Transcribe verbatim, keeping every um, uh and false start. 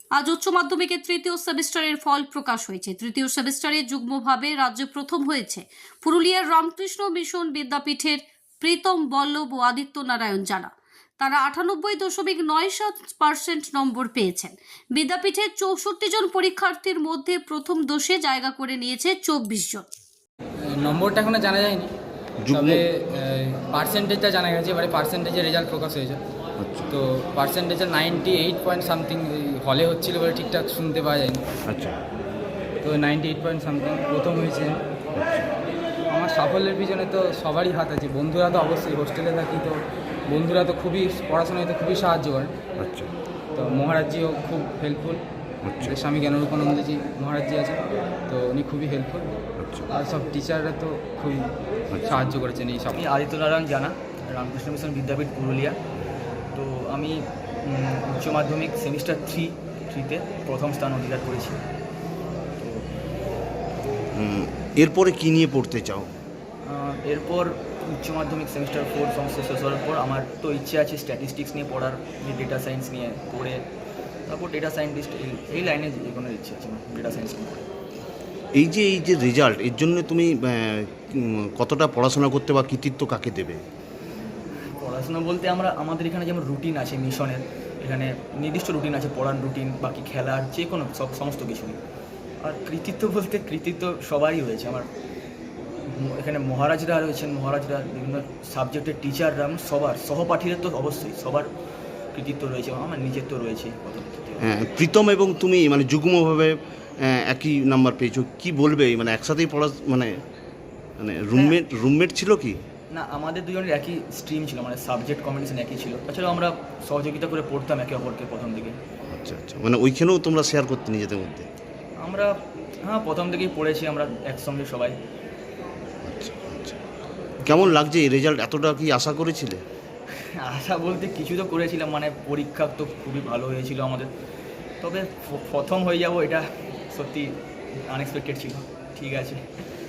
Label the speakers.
Speaker 1: আজ উচ্চ মাধ্যমিকের তৃতীয় সেমিস্টারের ফল প্রকাশ হয়েছে। তৃতীয় সেমিস্টারে যুগ্মভাবে রাজ্যে প্রথম হয়েছে পুরুলিয়ার রামকৃষ্ণ মিশন বিদ্যাপীঠের প্রীতম বল্লভ ও আদিত্য নারায়ণ জানা। তারা আটানব্বই দশমিক নয় সাত পার্সেন্ট নম্বর পেয়েছেন। বিদ্যাপীঠের চৌষট্টি জন পরীক্ষার্থীর মধ্যে প্রথম দোষে জায়গা করে নিয়েছে চব্বিশ জন।
Speaker 2: নম্বরটা এখনো জানা যায়নি, তবে পার্সেন্টেজটা জানা গেছে। এবারে পার্সেন্টেজের রেজাল্ট প্রকাশ হয়েছে, তো পার্সেন্টেজের নাইনটি এইট পয়েন্ট সামথিং হলে হচ্ছিল, বলে ঠিকঠাক শুনতে পাওয়া যায়নি।
Speaker 3: আচ্ছা,
Speaker 2: তো নাইনটি এইট পয়েন্ট সামথিং প্রথম হয়েছে। আমার সাফল্যের পিছনে তো সবারই হাত আছে। বন্ধুরা তো অবশ্যই, হোস্টেলে থাকি তো বন্ধুরা তো খুবই পড়াশোনায় তো খুবই সাহায্য করেন।
Speaker 3: আচ্ছা,
Speaker 2: তো মহারাজজিও খুব হেল্পফুল।
Speaker 3: আচ্ছা,
Speaker 2: স্বামী জ্ঞানরূপানন্দজি মহারাজজি আছেন, তো উনি খুবই হেল্পফুল।
Speaker 3: আচ্ছা,
Speaker 2: আর সব টিচাররা তো খুবই সাহায্য করেছেন এই সব।
Speaker 4: আমি আদিত্য নারায়ণ জানা, রামকৃষ্ণ মিশন বিদ্যাপীঠ পুরুলিয়া। তো আমি উম, উচ্চ মাধ্যমিক সেমিস্টার থ্রি থ্রিতে প্রথম স্থান অধিকার করেছি।
Speaker 3: হুম, এরপরে কি নিয়ে পড়তে চাও?
Speaker 4: আহ, এরপর উচ্চ মাধ্যমিক সেমিস্টার ফোর সমস্ত শেষ হওয়ার পর আমার তো ইচ্ছে আছে স্ট্যাটিস্টিক্স নিয়ে পড়ার, ডেটা সায়েন্স নিয়ে পড়ে তারপর ডেটা সায়েন্টিস্ট এই এই লাইনে এগোনোর ইচ্ছে আছে আমার, ডেটা সায়েন্স নিয়ে পড়ে।
Speaker 3: এই যে এই যে রেজাল্ট, এর জন্য তুমি আহ, উম, কতটা পড়াশোনা করতে বা কৃতিত্ব কাকে দেবে?
Speaker 4: পড়াশোনা বলতে আমরা আমাদের এখানে যেমন রুটিন আছে মিশনের, এখানে নির্দিষ্ট রুটিন আছে, পড়ার রুটিন, বাকি খেলার যে কোনো সব সমস্ত কিছুই। আর কৃতিত্ব বলতে কৃতিত্ব সবারই রয়েছে আমার। ম- এখানে মহারাজরা রয়েছেন, মহারাজরা বিভিন্ন সাবজেক্টের টিচাররা, সবার সহপাঠীদের তো অবশ্যই সবার কৃতিত্ব রয়েছে, আমার নিজের তো রয়েছে।
Speaker 3: হ্যাঁ, প্রীতম এবং তুমি মানে যুগ্মভাবে আহ, একই নাম্বার পেয়েছো, কি বলবে? মানে একসাথেই পড়া, মানে মানে রুমমেট রুমমেট ছিল কি?
Speaker 4: না, আমাদের দুজনের একই স্ট্রিম ছিল, মানে সাবজেক্ট কম্বিনেশন একই ছিল। তাছাড়াও আমরা সহযোগিতা করে পড়তাম একে অপরকে প্রথম দিকে।
Speaker 3: আচ্ছা, আচ্ছা, মানে ওইখানেও তোমরা শেয়ার করতে নিজেদের মধ্যে?
Speaker 4: আমরা হ্যাঁ প্রথম থেকেই পড়েছি আমরা একসঙ্গে সবাই।
Speaker 3: আচ্ছা, আচ্ছা, কেমন লাগছে এই রেজাল্ট? এতটা কি আশা করেছিলে?
Speaker 4: আশা বলতে কিছু তো করেছিলাম, মানে পরীক্ষা তো খুবই ভালো হয়েছিল আমাদের, তবে প- প্রথম হয়ে যাব এটা সত্যি আনএক্সপেক্টেড ছিল। ঠিক আছে।